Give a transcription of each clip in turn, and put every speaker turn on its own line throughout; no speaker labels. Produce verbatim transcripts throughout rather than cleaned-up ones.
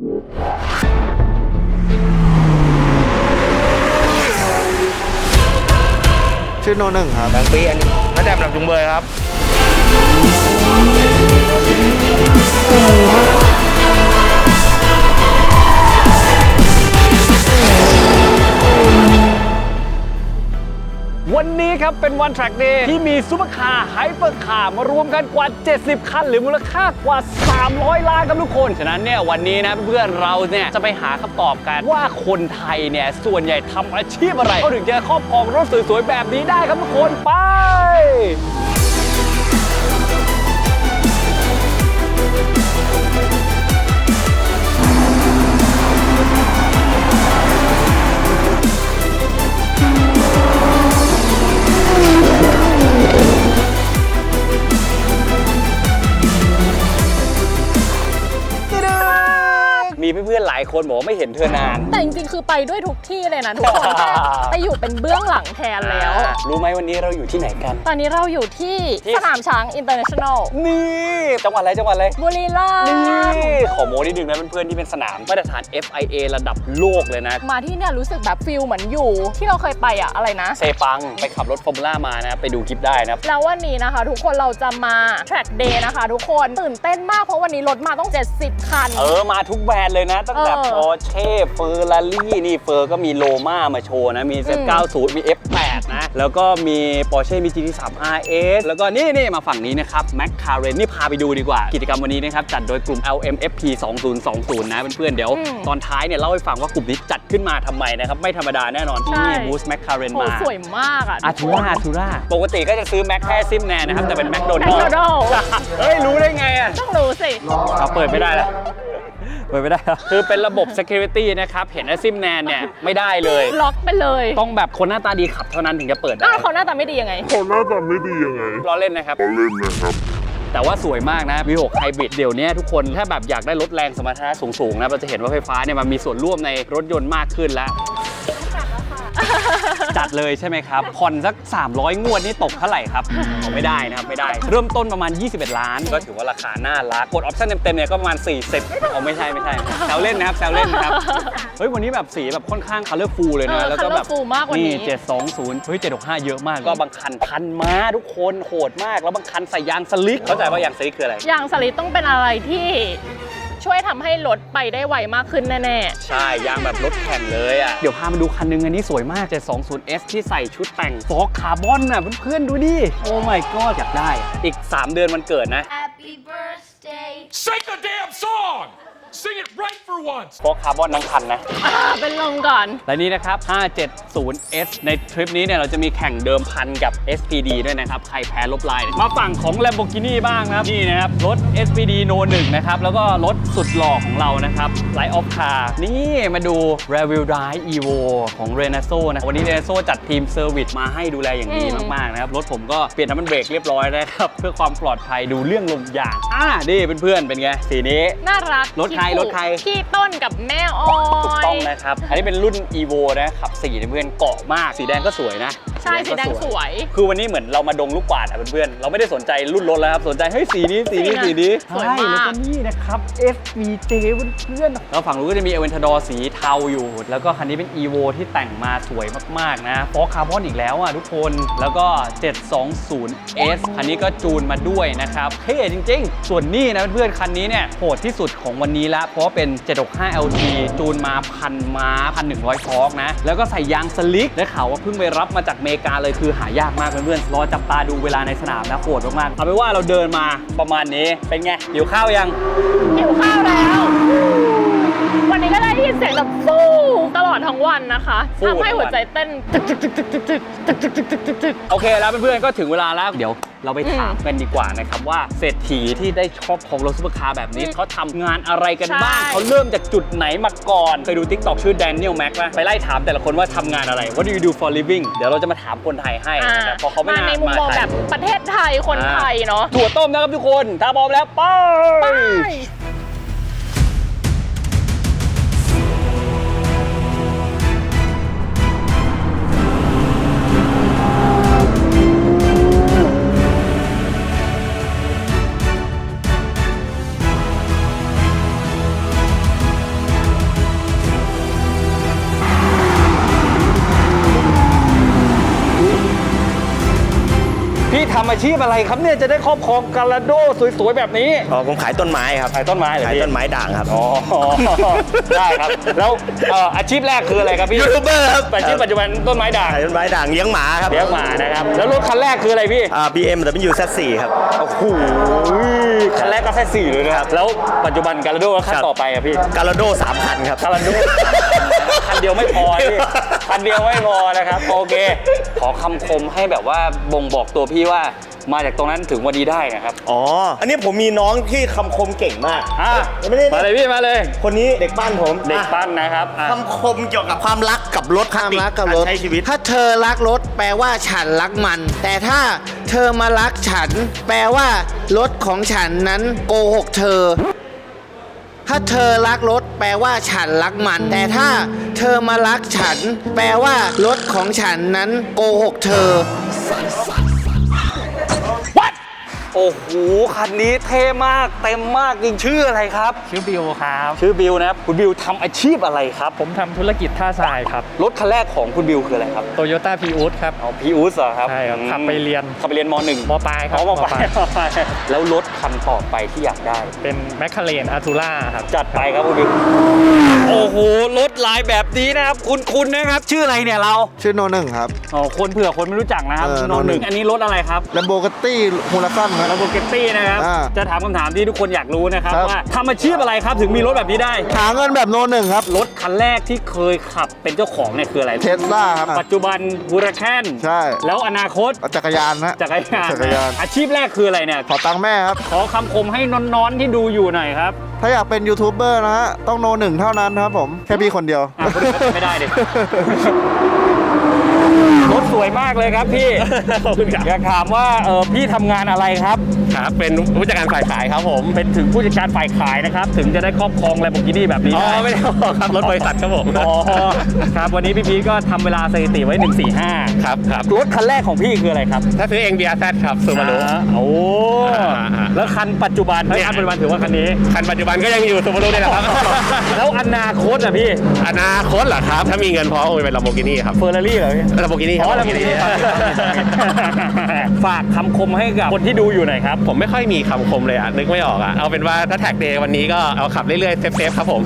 ชื่อโนหนึ่งครับ
แบงค์ปีอันนี้น่าจะแบบจุงเบยครับ
วันนี้ครับเป็นวัน Track Day ที่มีซุปเปอร์คาร์ไฮเปอร์คาร์มารวมกันกว่าเจ็ดสิบคันหรือมูลค่ากว่าสามร้อยล้านครับทุกคนฉะนั้นเนี่ยวันนี้นะเพื่อนเราเนี่ยจะไปหาคำตอบกันว่าคนไทยเนี่ยส่วนใหญ่ทำอาชีพอะไรเขาถึงจะครอบครองรถสวยๆแบบนี้ได้ครับทุกคนไปมีเพื่อนๆหลายคนบอกว่าไม่เห็นเธอนาน
แต่จริงๆคือไปด้วยทุกที่เลยนะทุกคนแค่ไปอยู่เป็นเบื้องหลังแทนแล้ว
รู้ไหมวันนี้เราอยู่ที่ไหนกัน
ตอนนี้เราอยู่ที่สนามช้างอินเตอร์เนชั่นแนล
นี่จังหวัดอะไรจังหวัดอะไร
บุรีรัมย์
นี่ขอโม้นิดนึงนะเพื่อนๆที่เป็นสนามมาตรฐาน เอฟ ไอ เอ ระดับโลกเลยนะ
มาที่เนี่ยรู้สึกแบบฟิลเหมือนอยู่ที่เราเคยไปอะอะไรนะ
เซปังไปขับรถฟอร์มูล่ามานะไปดูคลิปได้นะ
แล้ววันนี้นะคะทุกคนเราจะมา Track Day นะคะทุกคนตื่นเต้นมากเพราะวันนี้รถมาต้องเจ็ดสิบคัน
เออมาทุกแบรนด์เลยนะตั้งแต่พอเช่เฟอร์รารี่นี่เฟอร์ก็มีโลมามาโชว์นะมี เซด เก้าสิบ มี เอฟ แปด นะแล้วก็มี Porsche มี จี ที ทรี อาร์ เอส แล้วก็นี่นี่มาฝั่งนี้นะครับ McLaren นี่พาไปดูดีกว่ากิจกรรมวันนี้นะครับจัดโดยกลุ่ม แอล เอ็ม เอฟ พี สองพันยี่สิบ นะเพื่อนๆเดี๋ยวตอนท้ายเนี่ยเล่าให้ฟังว่ากลุ่มนี้จัดขึ้นมาทำไมนะครับไม่ธรรมดาแน่นอนที่นี่บูส McLaren มา
สวยมากอ่ะ
อาทูราอาทูราปกติก็จะซื้อแม็กแค่ซิมแนนนะครับแต่เป็นแมคโดนัลด์เฮ้ยรู้ได้ไงอ่ะ
ต้องรู้สิ
เราเปิดไม่ได้แล้วเปิดไม่ได้คือเป็นระบบ security นะครับเห็นไอ้ซิมแนนเนี่ยไม่ได้เลย
ล็อกไปเลย
ต้องแบบคนหน้าตาดีขับเท่านั้นถึงจะเปิดได้
เขาหน้าตาไม่ดียังไง
เขาหน้าตาไม่ดียังไง
ล้อเล่นนะครับ
ล้อเล่นนะครับ
แต่ว่าสวยมากนะ วี หก Hybrid เดี๋ยวนี้ทุกคนถ้าแบบอยากได้รถแรงสมรรถนะสูงๆนะเราจะเห็นว่าไฟฟ้าเนี่ยมันมีส่วนร่วมในรถยนต์มากขึ้นแล้วจัดเลยใช่ไหมครับผ่อนสักสามร้อยงวดนี่ตกเท่าไหร่ครับไม่ได้นะครับไม่ได้เริ่มต้นประมาณยี่สิบเอ็ดล้านก็ถือว่าราคาน่ารักกดออปชั่นเต็มๆเนี่ยก็ประมาณสี่สิบเอาไม่ใช่ไม่ใช่แซวเล่นนะครับแซวเล่นนะครับเฮ้ยวันนี้แบบสีแบบค่อนข้างคัลเลอร์ฟูลเลยนะแล้วก็แบบนี่เจ็ดสองศูนย์เฮ้ยเจ็ดหกห้าเยอะมากก็บางคันพันม้าทุกคนโหดมากแล้วบางคันใส่ยางสลิกเข้าใจว่ายางสลิกคืออะไร
ยางสลิกต้องเป็นอะไรที่ช่วยทำให้รถไปได้ไวมากขึ้นแน่
ๆใช่ยางแบบรถแข่งเลยอ่ะเดี๋ยวพามาดูคันนึงอันนี้สวยมากเจ็ดสองศูนย์ เอส ที่ใส่ชุดแต่งฟอกคาร์บอนน่ะเพื่อนๆดูดิโอ้ my god อยากได้อีกสามเดือนวันเกิดนะ Happy birthday
Sing the damn song Sing it right for once
ฟอกคาร์บอนทั้งคันนะ
เป็นลมก่อน
และนี่นะครับห้าเจ็ดศูนย์ เอส ในทริปนี้เนี่ยเราจะมีแข่งเดิมพันกับ เอส พี ดี ด้วยนะครับใครแพ้ลบลายมาฝั่งของ Lamborghini บ้างนะครับนี่นะครับรถ เอส พี ดี โน หนึ่ง นะครับแล้วก็รถสุดหล่อของเรานะครับ Light of Car นี่มาดู Rear Wheel Drive Evo ของ Renaso นะวันนี้ Renaso จัดทีมเซอร์วิสมาให้ดูแลอย่างดีมากๆนะครับรถผมก็เปลี่ยนน้ำมันเบรกเรียบร้อยแล้วครับเพื่อความปลอดภัยดูเรื่องลมยางอ่านี่เพื่อนๆเป็นไงสีนี้
น่ารัก
รถใครรถใคร
พี่ต้นกับแม่ออย
ถูกต้องนะครับอันนี้เป็นรุ่น Evo นะขับสี่เพื่อนเกาะมากสีแดงก็สวยนะ
ใช่สีแดงสวย
คือวันนี้เหมือนเรามาดงลูกกวาดอ่ะเพื่อนๆเราไม่ได้สนใจรุ่นรถแล้วครับสนใจเฮ้ยสีนี้สีนี้สีนี้
สวยมาก
แล้วก็นี่นะครับ เอฟ วี เจ เพื่อนๆแล้วฝั่งนู้นก็จะมี Aventador สีเทาอยู่แล้วก็คันนี้เป็น Evo ที่แต่งมาสวยมากๆนะฟอกคาร์บอนอีกแล้วอ่ะทุกคนแล้วก็เจ็ดสองศูนย์ เอส คันนี้ก็จูนมาด้วยนะครับเท่จริงๆส่วนนี้นะเพื่อนๆคันนี้เนี่ยโหดที่สุดของวันนี้ละเพราะว่าเป็นเจ็ดหกห้า แอล ที จูนมาพันม้าพันหนึ่งร้อยฟอกนะแล้วก็ใส่ยางสลิกได้ข่าวว่าเพิ่งไปรับมาจากอเมริกาเลยคือหายากมากเพื่อนๆรอจับตาดูเวลาในสนามนะโหดมากๆเอาเป็นว่าเราเดินมาประมาณนี้เป็นไงหิวข้าวยัง
หิวข้าวแล้ววันนี้ก็ได้ยินเสียงแบบฟูตลอดทั้งวันนะคะทำให้หัวใจเต้น
โอเคแล้วเพื่อนๆก็ถึงเวลาแล้วเดี๋ยวเราไปถามกันดีกว่านะครับว่าเศรษฐีที่ได้ชอบของรถซุปเปอร์คาร์แบบนี้เขาทำงานอะไรกันบ้างเขาเริ่มจากจุดไหนมาก่อนเคยดู ติ๊กต็อก ชื่อ Daniel Mac ป่ะไปไล่ถามแต่ละคนว่าทำงานอะไร What do you do for living เดี๋ยวเราจะมาถามคนไทยให้แต่พอเขาไม่
มาในมุมมองแบบประเทศไทยคนไทยเนาะ
ถั่วต้มนะครับทุกคนถ้าพร้อมแล้วไปอาชีพอะไรครับเนี่ยจะได้ครอบครองกาลาโดสวยๆแบบนี้
อ๋อผมขายต้นไม้ครับ
ขายต้นไม้เหรอ
ขาย
พี่
ต้นไม้ด่างครับ
อ๋อ ได้ครับ แล้วเอ่ออาชีพแรกคืออะไรครับพี่
ยูทูบเบอร์ครับ
อาชีพปัจจุบันต้นไม้ด่าง
ขายต้นไม้ด่างเลี้ยงหมาครับ
เลี้ยงหมานะครับ แล้วรถคันแรกคืออะไรพี่
อ่า บี เอ็ม ดับเบิลยู แซด โฟร์ ครับ
โอ้โหคันแรกก็แค่สี่เลยนะครับ แล้วปัจจุบันกาลาโดคัน
ครับ
ต่อไปอะพี่
กาลาโดสามคันครับ
กาลาโด คันเดียวไม่พอพี่คันเดียวไม่พอนะครับ โอเค ขอคำคมให้แบบว่าบ่งบอกตัวพี่ว่ามาจากตรงนั้นถึงวันนี้ได้นะครับ
อ๋อ อันนี้ผมมีน้องที่คำคมเก่งมาก
อ่ะ
ไม่ได้
มาเลยพี่มาเลย
คนนี้เด็กบ้านผม
เด็ก
อ่ะ
ปั้นนะครับอ่ะ
คำคมเกี่ยวกับความรักกับรถ
ความรักกับรถ
ใช้ชีวิต
ถ้าเธอรักรถแปลว่าฉันรักมัน แต่ถ้าเธอมารักฉัน แปลว่ารถของฉันนั้นโกหกเธอ ถ้าเธอรักรถแปลว่าฉันรักมัน แต่ถ้าเธอมารักฉัน แปลว่ารถของฉันนั้นโกหกเธอ
โอ้โห คันนี้เท่มากเต็มมากจริงชื่ออะไรครับ
ชื่อบิวครับ
ชื่อบิวนะครับ คุณบิวทำอาชีพอะไรครับ
ผมทำธุรกิจท่าทรายครับ
รถคันแรกของคุณบิวคืออะไรครับ
โตโยต้าพีอูดครับ
เอาพีอูสเหรอครับ
ใช่ครับ
อืม
ขับไปเรียน
ขับไปเรียนมหนึ่ง
มปลายครับ
อ๋อมปลาย
มปลาย
แล้วรถคันต่อไปที่อยากได้
เป็นแมคคาเรนอาทูล่าครับ
จัดไปครับคุณบิว โอ้โห รถลายแบบนี้นะครับ คุณคุณนะครับ ชื่ออะไรเนี่ยเรา
ชื่อโนหนึ่งครับ
อ๋อ คนเผื่อคนไม่รู้จักนะครับ
เออ
โนหนึ่ง
โนหนึ่ง
อันนี้รถอะไรครับ
แลมโบกตี้ฮูลาซันครับ
ลาโบเกตตี้นะครับ
อ่า
จะถามคำถามที่ทุกคนอยากรู้นะครับ
ครับ
ว่าทำอาชีพอะไรครับถึงมีรถแบบนี้ได้
หาเงินแบบโนหนึ่งครับ
รถคันแรกที่เคยขับเป็นเจ้าของเนี่ยคืออะไร
เทสลาครับ
ปัจจุบันบูราแคน
ใช่
แล้วอนาคต
จักรยานนะ
จักรยาน
จักรยาน
อาชีพแรกคืออะไรเนี่ย
ขอตังค์แม่ครับ
ขอคำคมให้น้อนๆที่ดูอยู่หน่อยครับ
ถ้าอยากเป็นยูทูบเบอร์นะฮะ ต้องโนหนึ่งเท่านั้นครับผม แค่พี่คนเดียว
อ่ะคนอื่นก็ไม่ได้ดิ รถสวยมากเลยครับพี่ อยากถามว่าเออพี่ทำงานอะไรครับ
ครับ เป็นผู้จัดการฝ่ายขายครับผม
เป็นถึงผู้จัดการฝ่ายขายนะครับ ถึงจะได้ครอบครอง Lamborghini แบบนี้
อ๋อ
ได้
ไม่ได้ครับ รถบริษัทครับผม
อ๋อครับวันนี้พี่พีชก็ทำเวลาสถิติไว้หนึ่งสี่ห้า
ครับครับ
รถคันแรกของพี่คืออะไรครับ
ถ้าซื้อเอง บี อาร์ แซด ครับซูบารุ
อ่าโอ้
อ่าอ่า
แล้วคันปัจจุบันเฮ้ยคันปัจจุบันถือว่าคันนี้
คันปัจจุบันก็ยังอยู่ซูบารุนี่แหละครับ
แล้วอนาคตอะพี่
อนาคตเหรอครับ ถ้ามีเงินพอคงจะเป็น Lamborghini ครับ
เฟอร์รารี่เหรอพี่
Lamborghini ครับ
อ๋อ
Lamborghini
ฝากคำคมให้กับคนที่ดูอยู่หน่อยครับ
ผมไม่ค่อยมีคำคมเลยอ่ะ นึกไม่ออกอ่ะ เอาเป็นว่าถ้าแท็กเดย์วันนี้ก็เอาขับเรื่อยๆ เซฟๆครับผม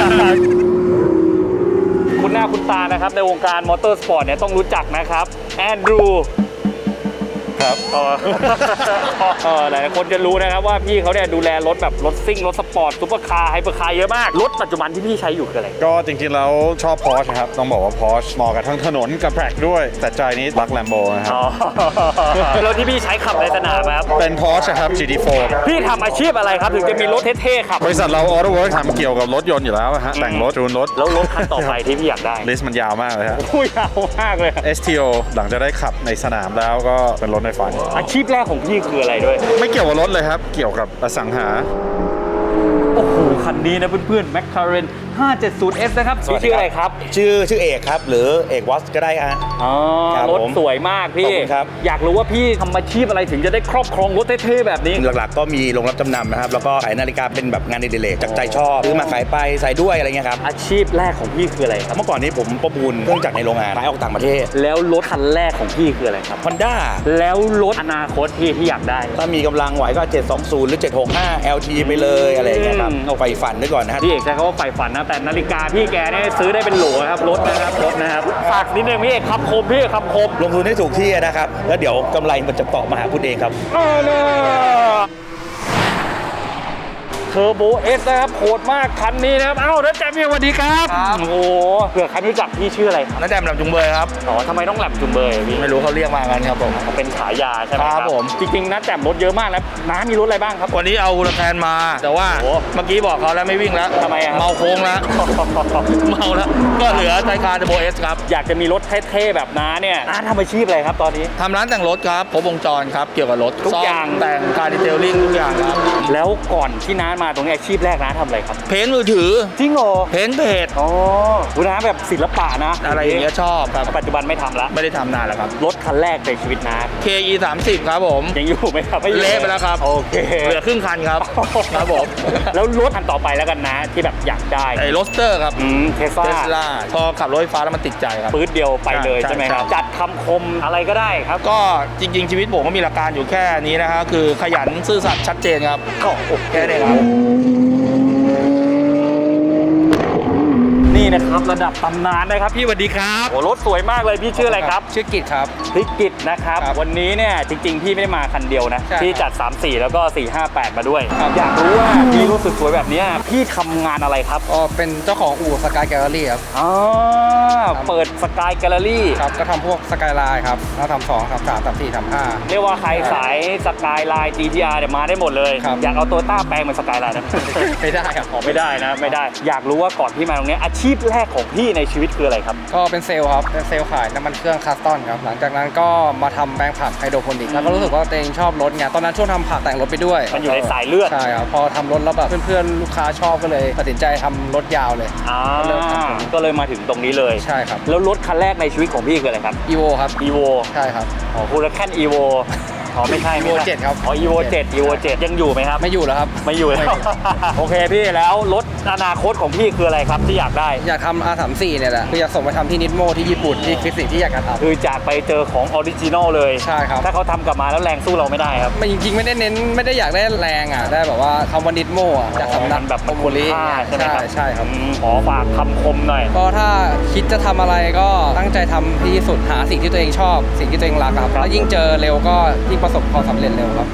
คุณหน้าคุณตานะครับในวงการมอเตอร์สปอร์ตเนี่ยต้องรู้จักนะครับแอนดรู
ครับ
เออ เออหลายคนจะรู้นะครับว่าพี่เขาเนี่ยดูแลรถแบบรถซิ่งรถสปอร์ตซุปเปอร์คาร์ไฮเปอร์คาร์เยอะมาก รถปัจจุบันที่พี่ใช้อยู่คืออะไร
ก็จริงๆแล้วชอบ Porsche ครับ ต้องบอกว่า Porsche เหมาะกับทั้งถนนกับแทร็กด้วย แต่ใจนี้รัก Lambo นะครับ
อ๋อ แล้วที่พี่ใช้ขับในสนามครับ
เป็น Porsche ครับ จี ที โฟร์
พี่ทำอาชีพอะไรครับถึงจะมีรถเท่ๆขับ
บริษัทเรา Auto Work ทำเกี่ยวกับรถยนต์อยู่แล้วอะฮะ แต่งรถจูนรถ
แล้วรถคันต่อไปที่พี่อยากได้
ลิสต์มันยาวมากเลยครับ
ผู้ยาวมากเลย
เอส ที โอ หลังจะได้ขับในสนามแล้วก็เป็นรถในฝัน
อาชีพแรกของพี่คืออะไรด้วย
ไม่เกี่ยวกับรถเลยครับ เกี่ยวกับอสังหา
โอ้โห คันนี้นะเพื่อนๆ McLaren ห้าเจ็ดศูนย์ เอส นะครับพี่ชื่ออะไรครับ
ชื่อชื่อเอกครับ หรือเอกวอสก็ได้ฮะ
อ๋อ
ครับ
รถ
ผม
สวยมาก
ข
พี่
อบคุณครับ
อยากรู้ว่าพี่ทำอาชีพอะไรถึงจะได้ครอบครองรถเท่ๆแบบนี้
หลักๆก็มีโรงรับจำนำนะครับ แล้วก็ขายนาฬิกาเป็นแบบงานอดิเรกจากใจชอบซื้อมาขายไปใส่ด้วยอะไรเงี้ยครับ
อาชีพแรกของพี่คืออะไรครับ
เมื่อก่อนนี้ผมประมูลเครื่องจักรในโรงงานขายออกต่างประเทศ
แล้วรถคันแรกของพี่คืออะไรครับ
Honda
แล้วรถอนาคตพี่ที่อยากได้
ถ้ามีกำลังไหวก็เจ็ดสองศูนย์หรือเจ็ดหกห้า แอล ที ไปเลยอะไรอย่างเงี้ยครับ
อืม
เอาไฟฝันไว้ก่อนนะฮะ
พี่เอกใช้คำว่าใฝ่ฝันนะ แต่นาฬิกาพี่แกเนี่ยซื้อได้เป็นโหลนะครับรถนะครับรถนะครับฝากนิดนึงพี่เอกคำคมพี่เอกคำคม
ลงทุนให้ถูกที่นะครับ แล้วเดี๋ยวกำไรมันจะเกาะมาหาคุณเองครับ
เทอร์โบเอสนะครับโหดมากคันนี้นะครับเอ้าแล้วแจมพี่สวัสดีครับ
ครับ
โอ้โหเผื่อใครไม่รู้จักพี่ชื่ออะไรครับ
น้าแดมลำจุงเบยครับ
อ๋อทำไมต้องแหลมจุมเบยอะพี่
ไม่รู้เขาเรียกมากันครับผม
เขาเป็นฉายาใช่ไหมค
ครั
รับบ
ผม
จริงๆนะแจมรถเยอะมากนะน้ามีรถอะไรบ้างครับ
วันนี้เอาฮูลาแคนมา แต่ว่า
โอ้
เมื่อกี้บอกเขาแล้วไม่วิ่งแล้ว
ทำไมอะครับ
เมาโค้งแล้ว เมาแล้ว ก็เหลือไทยคาร์เทอร์โบเอสครับ
อยากจะมีรถเท่ๆแบบน้าเนี่ยน้าทำอาชีพอะไรครับตอนนี้
ทำร้านแต่งรถครับครบวงจรครับ เกี่ยวกับรถ
ทุก
ซ่ม
อย่าง
แต่งคาร์ดีเทลลิ่งทุกอย่างครับ
แล้วก่อนที่น้ามาตรงนี้อาชีพแรกนะทำอะไรครับ
เพนมือถือ
จริงเหรอ
เพนเพจ
อ๋อคุณน้าแบบศิลปะนะ
อะไรอย่างเงี้ยชอบครับ
ปัจจุบันไม่ทำละ
ไม่ได้ทำนานแล้วครับ
รถคันแรกในชีวิตนะ
เค อี สามสิบ ครับผม
ยังอยู่ไหมครับไม่อยู่
เละไปแล้วครับ
โอเค
เหลือครึ่งคันครับครับผม
แล้วรถคันต่อไปแล้วกันนะที่แบบอยากได้
ไอ้โรสเตอร์ครับ
อืมเทส
เท
ลา
สลาพอขับรถไฟฟ้าแล้วมันติดใจครับ
ปื๊ดเดียวไปเลย
ใช่
ใช่ไหมครับ
ใช่
จัดคำคมอะไรก็ได้ครับ
ก็จริง ๆ ชีวิตผมก็มีหลักการอยู่แค่นี้นะฮะคือขยันซื่อสัตย์ชัดเจนครับ
ก็โอเค
แค่นี้ครับ
นี่นะครับระดับตำนานนะครับพี่สวัสดีครับโอ้รถสวยมากเลยพี่ชื่ออะไรครับ
ชื่อกิจครับ
พี่กิตนะครับ
ครับ
วันนี้เนี่ยจริงๆพี่ไม่ได้มาคันเดียวนะ
ใช่
พี่จัด สาม สี่ แล้วก็ สี่ ห้า แปด มาด้วย
ครับ
อยากรู้ว่าพี่รถสวยๆแบบเนี้ยพี่ทำงานอะไรครับ
ก็เป็นเจ้าของอู่สกายแกลเลอรี่ครับ
อ๋อเปิดสกายแกลเลอรี่
ครับ ก็ทำพวกสกายไลน์ครับแล้วทำสองทำสามทำสี่ทำห้า
เรียกว่าใครสายสกายไลน์ จี ที อาร์ เนี่ยมาได้หมดเลย
ครับ
อยากเอาโตโยต้าแปลงเป็นสกายไลน์นะ
ไม่ได้ครับ
อ๋อไม่ได้นะไม่ได้อยากรู้ว่าก่อนพี่มาตรงเนี้ยอาชีพแรกของพี่ในชีวิตคืออะไรครับ
ก็เป็นเซลล์ครับ เป็นเซลล์ขายน้ำมันเครื่องคัสตอนครับ หลังจากนั้นก็มาทำแปลงผักไฮโดรโปนิกแล้วก็รู้สึกว่าตัวเองชอบรถไงตอนนั้นช่วงทำผักแต่งรถไปด้วย
มันอยู่ในสายเลือด
ใช่ครับ พอทำรถแล้วแบบเพื่อนๆ ลูกค้าชอบก็เลยตัดสินใจทำรถยาวเลย
อ่า
ก็เริ่มทำผม
ก็เลยมาถึงตรงนี้เลย
ใช่ครับ
แล้วรถคันแรกในชีวิตของพี่คืออะไรครับ
อีโวครับ
Evo
ใช่ครับ
อ๋อคูลแคน Evo อ๋อไม่ใช่ไม่
Evo
ใช่
เจ็ดครับ
อ๋อ Evo เจ็ด Evo เจ็ดยังอยู่ไหมครับ
ไม่อยู่แล้วครับ
ไม่อยู่แล้ว โอเคพี่แล้วรถอนาคตของพี่คืออะไรครับที่อยากได้
อยากทำ อาร์ สามสิบสี่ เนี่ยแหละคืออยากส่งไปทำที่นิดโมที่ญี่ปุ่นที่ฟิสิกส์ที่อยากจะทำ
คือจากไปเจอของออริจินอลเลย
ใช่ครับ
ถ้าเขาทำกลับมาแล้วแรงสู้เราไม่ได้ครับ
มันจริงๆไม่ได้เน้นไม่ได้อยากได้แรงอ่ะได้แบบว่าคำว่านิดโมอ่ะจากสำนัก
มันแบบ
โอโมริ
ค่าใช่ไหมครับ
ใช่ครับ
อืมขอฝากคำคมหน่อย
ก็ถ้าคิดจะทำอะไรก็ตั้งใจทำที่สุดหาสิ่งที่ตัวเองชอบ สิ่งที่ตัวเองรักครับแล้วยิ่งเจอเร็วก็ยิ่งประสบความสำเร็จเร็วครับ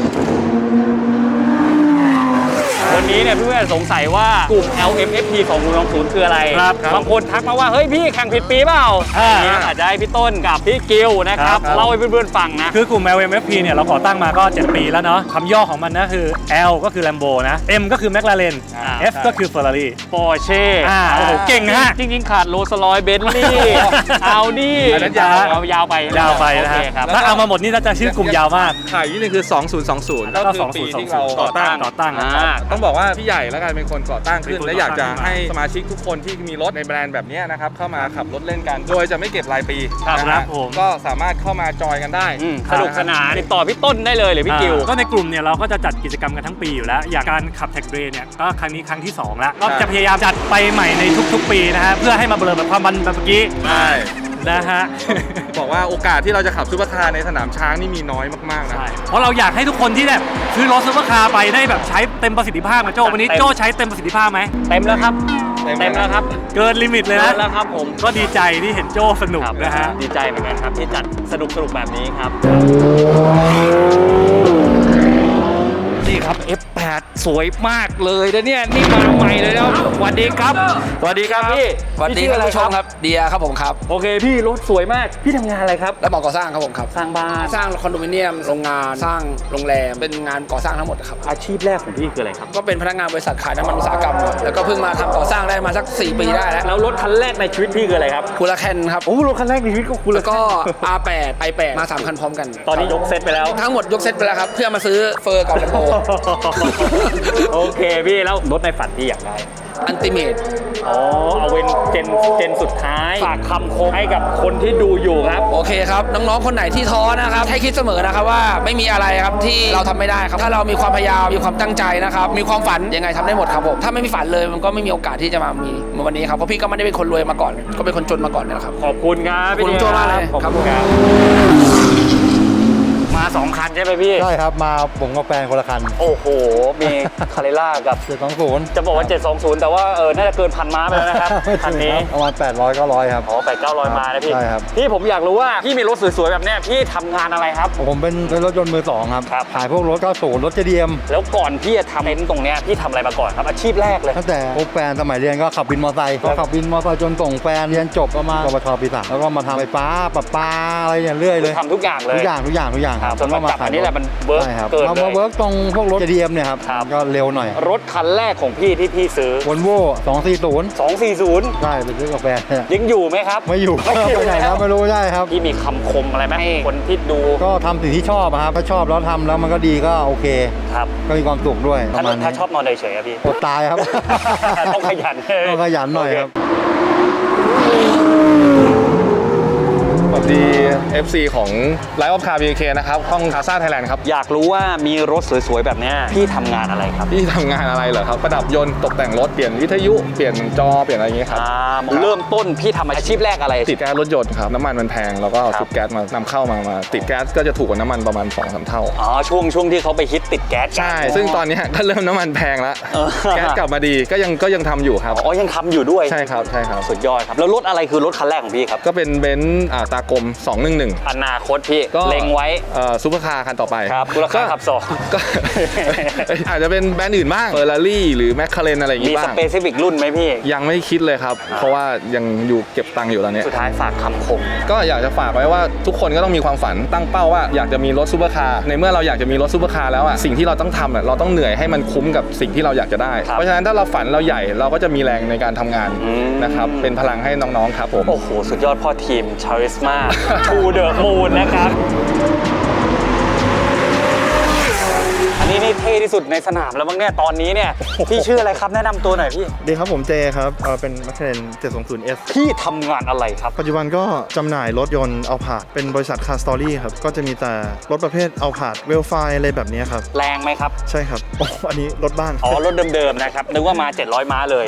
วันนี้เนี่ยเพื่อนๆสงสัยว่ากลุ่ม แอล เอ็ม เอฟ พี ของลุงลองศูนย์คืออะไร
ครับครับ
บางคนทักมาว่า เฮ้ยพี่แข่งผิดปีเปล่า
อ่า
อันนี้อาจจะให้พี่ต้นกับพี่กิวนะครับ
ครับ
เล่าให้เพื่อนๆฟังนะ
คือกลุ่ม แอล เอ็ม เอฟ พี เนี่ยเราก่อตั้งมาก็ เจ็ด ปีแล้วเนาะคำย่อของมันนะคือ L ก็คือ Lambo นะ M ก็คือ McLaren
อ่า
F ก็คือ Ferrari
ปอร์เช่
อ่าโอ้โหเก่งฮะ
จริงๆขาดโรลส์รอยซ์เบนซ์ลี่เอาดี้
อันนั้นยาว
เอายาวไป
ยาวไปนะฮะ
โอเคครับ
ถ้าเอามาหมดนี่น่าจะชื่อกลุ่มยาวมาก
ขายนิดนึงคือ สองพันยี่สิบ
แล้วก็ปีที่เราก่อตั้งก่อตั้ง
อ่า
ต้องบอกว่าพี่ใหญ่แล้วกันเป็นคนก่อตั้งขึ้น
เป็นคน
และอยากจะ
ก่อตั้ง
ให้สมาชิกทุกคนที่มีรถในแบรนด์แบบนี้นะครับเข้ามาขับรถเล่นกัน โดยจะไม่เก็บรายปี
ครับ
นะ
ครั
ฮะ
บผม
ก็สามารถเข้ามาจอยกันได้
อืมสนุกสนานติดต่อพี่ต้นได้เลยหรือพี่กิว
อ่าก็ในกลุ่มเนี่ยเราก็จะจัดกิจกรรมกันทั้งปีอยู่แล้ว อย่างการขับแท็กเรย์เนี่ยก็ครั้งนี้ครั้งที่สองแล้วก็จะพยายามจัดไปใหม่ในทุกๆ ปีนะฮะเพื่อให้มาเบลอแบบความมันแบบเมื่อกี้
ใช่
นะฮะ
บอกว่าโอกาสที่เราจะขับซุปเปอร์คาร์ในสนามช้างนี่มีน้อยมากๆนะ
ใช่เพราะเราอยากให้ทุกคนที่แบบซื้อรถซุปเปอร์คาร์ไปได้แบบใช้เต็มประสิทธิภาพนะโจ้วันนี้
เต็ม
โจ้ใช้เต็มประสิทธิภาพไหม
เต็มแล้วครับ
เต็ม
เต็มแล้วครับ
เกินลิมิตเลย
เต็
นะ
มแล้วครับผม
ก็ดีใจที่เห็นโจ้สนุก
ครับ
นะฮะ
ดีใจเหมือนกันครับที่จัดสนุกสนุกแบบนี้ครับ นี่ครับ เอฟ แปด สวยมากเลยนะเนี่ยนี่มาใหม่เลยนะสวัสดีครับสวัสดีครับพี่
สวัสดี
พี่
ครับ
ชื่อ
ผู้ชมครับเดียครับผมครับ
โอเคพี่รถสวยมากพี่ทำงานอะไรครับ
และหมอก่อสร้างครับผมครับ
สร้างบ้าน
สร้างคอนโดมิเนียมโรงงานสร้างโรงแรมเป็นงานก่อสร้างทั้งหมดครับ
อาชีพแรกของพี่คืออะไรครับ
ก็เป็นพนักงานบริษัทขายน้ำมันอุตสาหกรรมครับแล้วก็เพิ่งมาทำก่อสร้างได้มาสักสี่ปีได้แล้ว
แล้วรถคันแรกในชีวิตพี่คืออะไรครับ
คูลาแคนครับ
โอ้รถคันแรกในชีวิตก็คุณ
แล้วก็ อาร์ แปด ไอ แปด มาสามคันพร้อมกัน
ตอนนี้ยกเซตไปแล้ว
ทั้งหมดยกเซตไปแล้วครับเพื่อมาซื้อเฟอร์กับแลมโบ
โอเคพี่แล้วรถในฝันพี่อยากได้
อันติเมต
อ๋อเอาเป็นเจนเจนสุดท้ายฝากคำคมให้กับคนที่ดูอยู่ครับ
โอเคครับน้องๆคนไหนที่ท้อนะครับให้คิดเสมอนะครับว่าไม่มีอะไรครับที่เราทำไม่ได้ครับถ้าเรามีความพยายามมีความตั้งใจนะครับมีความฝันยังไงทำได้หมดครับผมถ้าไม่มีฝันเลยมันก็ไม่มีโอกาสที่จะมามีเหมือนวันนี้ครับเพราะพี่ก็ไม่ได้เป็นคนรวยมาก่อน ก็เป็นคนจนมาก่อนนี่แหละครับ
ขอบคุณครับ
ขอบคุณ
พี่
โจ้มากเลย
ขอบ
ครับ
คุณครับมาสองคันใช่ไหมพี่
ใช่ครับ มาผมกับแฟนคนละคัน
โอ้โหมีคาเรล่ากับ
เจ็ดสองศูนย์
จะบอกว่า เจ็ดสองศูนย์ แต่ว่าเออน่าจะเกินพันม้าไปแล้วนะครับคันนี้
ประมาณแปดร้อย เก้าร้อยครับ
อ๋อแปดเก้าร้อยมานะพี่
ใช่ครับ
พี่ผมอยากรู้ว่าพี่มีรถสวยๆแบบเนี้ยพี่ทำงานอะไรครับ
ผมเป็นเป็นรถยนต์มือสองครับ
ครับ
ขายพวกรถเก้าสิบรถเจดียม
แล้วก่อนพี่จะทำเต็นท์ตรงเนี้ยพี่ทำอะไรมาก่อนครับอาชีพแรกเลย
ตั้งแต่พบแฟนสมัยเรียนก็ขับวินมอเตอร์ไซค์ก็ขับวินมอเตอร์ไซค์จนส่งแฟนเรียนจบก็มาปวชปีสามแล้วก็มาทำไฟฟ้าประปาอะไรอย่างเรื่อยเลย
ทำทุกอย่างเลย
ทุกอย่างทุกอย่างทุกอย่าง
ครับจนมาจับอันนี้แหละมันเวิร์ก
ใช่ครับ
เกิน
มา
เล
มาย เวิร์กตรงพวกรถ เจ ดี เอ็ม เนี่ยครับ
ครับ
ก็เร็วหน่อย
รถคันแรกของพี่ที่พี่ซื้อ
วอลโว่สองสี่ศูนย์
สองสี่ศูนย์
ใช่ไปซื้อกาแฟ
ยังอยู่ไหมครับ
ไม่อยู่
ไม่อยู่
ไปไหนแล้วไม่รู้ใช่ครับ
พี่มีคำคมอะไรไหมให้คนที่ดู
ก็ทำสิ่งที่ชอบอะครับถ้าชอบแล้วทำแล้วมันก็ดีก็โอเค
ครับ
ก็มีความสุขด้วยป
ถ้า
ระมาณนี้
ถ้าชอบนอนเฉยๆอะพี่
อดตายครับ
ต้องขยัน
ต้องขยันหน่อยครับ
สวัสดี เอฟ ซี ของ Live of Car บี เค นะครับห้องคาซ่าไทยแลนด์ครับ
อยากรู้ว่ามีรถสวยๆแบบเนี้ยพี่ทำงานอะไรครับ
พี่ทำงานอะไรเหรอครับ ประดับยนต์ตกแต่งรถ เปลี่ยนวิทยุ เปลี่ยนจอ เปลี่ยนอะไรอย่างเงี้ยครับ
อ่าเริ่มต้นพี่ทำอาชีพแรกอะไร
ติดแก๊สรถยนต์ครับ น้ำมันมันแพง แล้วก็เอา
ครับ
ชุดแก๊สมานำเข้ามามา ติดแก๊สก็จะถูกกว่าน้ำมันประมาณ สองถึงสาม เท่า
อ๋อช่วงช่วงที่เขาไปฮิตติดแก๊สกัน
ใช่ ซึ่งตอนเนี้ยก็เริ่มน้ำมันแพงแล้ว
เออ
แก๊สกลับมาดีก็ยังก็ยังทำอยู่ครับ
อ๋อยังทำอยู่ด้วย
ใช่ครับใช่ครับ
สุดยอดครับแล้วรถอะไรคือรถคันแรกของพี่ครับ
ก็เป็นเบนซ์อ่าตากลมสองหนึ่งหนึ่ง
อนาคตพี่
ก็
เล็งไว้
เอ่อซูเปอร์คาร์คันต่อไป
ครับมูลค่าขับสอง
ก็ อาจจะเป็นแบรนด์อื่นบ้างเฟอร์รารี่หรือแมคคาเรนอะไรอย่าง
มี
งี้
ส
บ้าง
เปซิฟิกรุ่นไหมพี่
ยังไม่คิดเลยครับ เพราะว่ายังอยู่เก็บตังค์อยู่ตอนนี้
สุดท้ายฝากคำคม
ก็อยากจะฝากไว้ว่าทุกคนก็ต้องมีความฝันตั้งเป้าว่าอยากจะมีรถซูเปอร์คาร์ในเมื่อเราอยากจะมีรถซูเปอร์คาร์แล้วอ่ะสิ่งที่เราต้องทำอ่ะเราต้องเหนื่อยให้มันคุ้มกับสิ่งที่เราอยากจะได้ เพราะฉะนั้นถ้าเราฝันเราใหญ่เราก็จะมีแรงในการทำงาน
อืม
นะครับเป็นพลังให้น้องๆครับผม
โอ้โห สุดยอดพ่อทีมชาริสมา ทูเดอะมูนนะครับ อันนี้นี่เท่ที่สุดในสนามแล้วมั้งเนี่ยตอนนี้เนี่ย พี่ชื่ออะไรครับแนะนำตัวหน่อยพี่
ดีครับผมเจครับเอ่อเป็น McLaren เจ็ดสองศูนย์เอส
พี่ทำงานอะไรครับ
ปัจจุบันก็จำหน่ายรถยนต์เอาผาดเป็นบริษัท Car Story ครับ ก็จะมีแต่รถประเภทเอาผาดเวลไฟอะไรแบบนี้ครับ
แรงไหมครับ
ใช่ครับ โอ้อันนี้รถบ้าน
อ๋อ รถเดิมๆนะครับ นึกว่ามาเจ็ดร้อยม้าเลย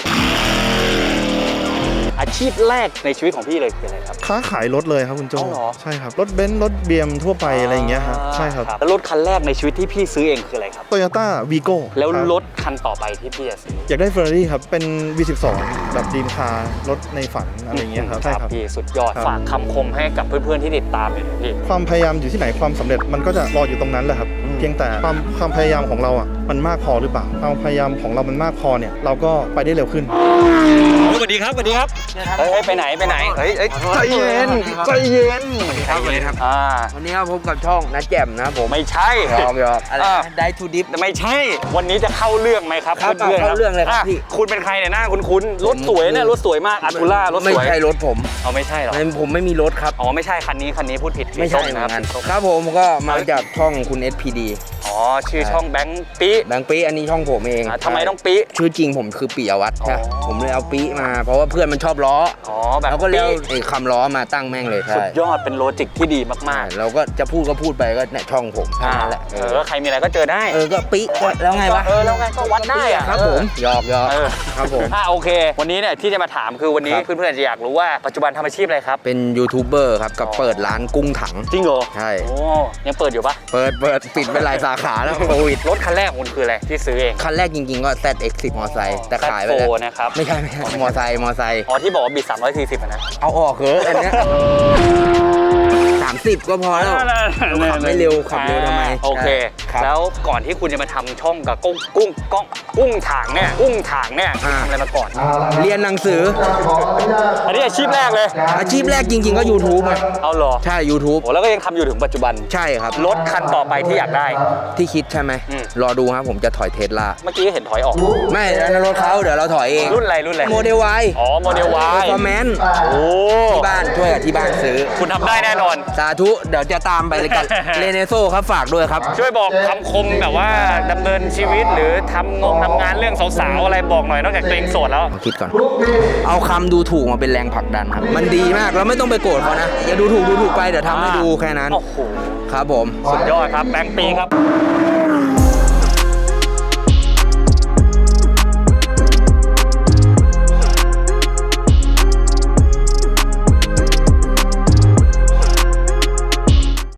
อาชีพแรกในชีวิตของพี่เลยคืออะไรครับ
ค้าขายรถเลยครับคุณโจ
อ๋อเหรอ
ใช่ครับ รถเบนซ์รถเบียมทั่วไปอะไรอย่างเงี้ยครับใช่ครับ
แล้วรถคันแรกในชีวิตที่พี่ซื้อเองคืออะไรครับ
โตโยต้าวีโก้
แล้วรถคันต่อไปที่พี่จะซื้อ
อยากได้ Ferrari ครับ เป็น วี สิบสอง แบบดีมคาร์รถในฝันอะไรอย่างเงี้ยครับใช่ครับ
พี่สุดยอด
ครับ
ฝากคำคมให้กับเพื่อนๆที่ติดตามอยู่นะพี่
ความพยายามอยู่ที่ไหนความสำเร็จมันก็จะรออยู่ตรงนั้นแหละครับ เพียงแต่ความความพยายามของเราอ่ะมันมากพอหรือเปล่าความพยายามของเรามันมากพอเนี่ยเราก็ไปได้เร็วขึ้น
สวัสดีครับสวัสดีครับเฮ้ยไปไหนไปไหนเฮ้ยใจเย็นใจเย็นใจเย็นครับอ่า
วันนี้ก็พบกับช่องนัดแจ่มนะครับผม
ไม่ใช่
ยอมยอมอะไรนะได้ทูดิฟ
ไม่ใช่ วันนี้จะเข้าเรื่องไหมครับ
ครับ
พื่นๆ
เข้าเรื่องเลยครับ
ะ
พี่
คุณเป็นใครเนี่ยหน้าคุณคุ้นๆรถสวยเนี่ยรถสวยมากอัลตูล่ารถ
ไม่
สวย
ใช่รถผม
เอาไม่ใช่หรอ
ไม่ผมไม่มีรถครับ
อ๋อไม่ใช่คันนี้คันนี้พูดผิด
ไม่ใช่
สี
เห
ส้
มือนกัน
สีส้ม
ครับผมก็มาจากช่องคุณ เอส พี ดี
อ๋อชื่อช่องแบงค์ปี
แบงค์ปีอันนี้ช่องผมเอง
อ่ะทำไมต้องปี
ชื่อจริงผมคือปิยวัฒน์ใช่
อ๋อ
ผมเลยเอาปีมา เพราะว่าเพื่อนมันชอบล้อ
อ๋อแบบ
แล้วก็เลย
ปี
เอาไอ้คำล้อมาตั้งแม่งเลย
สุ
ใช่
ดยอดเป็นโลจิกที่ดีมาก
เราก็จะพูดก็พูดไปก็เนี่ยช่องผม
ๆ
แค่นั้นแหละ
เออใครมีอะไรก็เจอได้
เออก็ปีก็แล้วไงวะ
เออแล้วไงก็วัดได้อะ
ครับผมหยอกหยอก
เออ
ครับผม
อ่ะโอเค วันนี้เนี่ยที่จะมาถามคือวันนี้
ครับ
เพื่อนๆอาจจะอยากรู้ว่าปัจจุบันทำอาชีพอะไรครับ
เป็นยูทูบเบอร์ครับกับเปิดร้านกุ้งถัง
จริงเหรอ
ใช่
โอ้ยังเปิดอยู่ปะ
เปิดเปิดปิดไปหลายสาขาแล้วโควิด
รถคันแรกของคุณคืออะไรที่ซื้อเอง
คันแรกจริงๆก็ แซด เอ็กซ์ สิบ มอไซค์แต่ขายไปแล้ว
แซดโฟร์นะครับ
ไม่ใช่ไม่ใช่มอไซค์มอไซค์
อ๋อที่บอกว่าบิดสามร้อยสี่สิบอะนะ
เอาออกเหอะอันเนี้ยสามสิบก็พอแล้ว ขับไม่เร็วขับเร็วทำไม
โอเค
ครับ
แล้วก่อนที่คุณจะมาทำช่องกับกุ้งกุ้งก้องกุ้งถางเนี่ยกุ้งถางเนี่ยคุณ
อ่า
ทำอะไรมาก่อน
เรียนหนังสือ
อันนี้อาชีพแรกเลย
อาชีพแรกจริงๆก็ YouTube อ่ะ
เอาเหรอ
ใช่ YouTube
โอ้แล้วก็ยังทำอยู่ถึงปัจจุบัน
ใช่ครับ
รถคันต่อไปที่อยากได้
ที่คิดใช่ไหม
อืม
รอดูครับผมจะถอยเทสลา
เมื่อกี้เห็นถอยออก
ไม่อันนั้นรถเขาเดี๋ยวเราถอยเอง
รุ่นอะไรรุ่นอะไร
โมเดล Y
อ๋อโมเดลวาย
คอมเมนต์
โอ้
ที่บ้านช่วยกับที่บ้านซื้อ
คุณทำได้แน่นอน
สาธุเดี๋ยวจะตามไปเลย กัน เรเนโซครับฝากด้วยครับ
ช่วยบอกคำคมแบบว่าดำเนินชีวิตหรือทำงงทำงานเรื่องสาวๆอะไรบอกหน่อยนอกจากตัวเองโสดแล้ว
คิดก่อน เอาคำดูถูกมาเป็นแรงผลักดันครับ มันดีมากเราไม่ต้องไปโกรธเขานะ อย่าดูถูกดูถูกไปเดี๋ยวทำให้ดูแค่นั้น
โอ้โห
ครับผม
สุดยอดครับแบงค์ปีครับ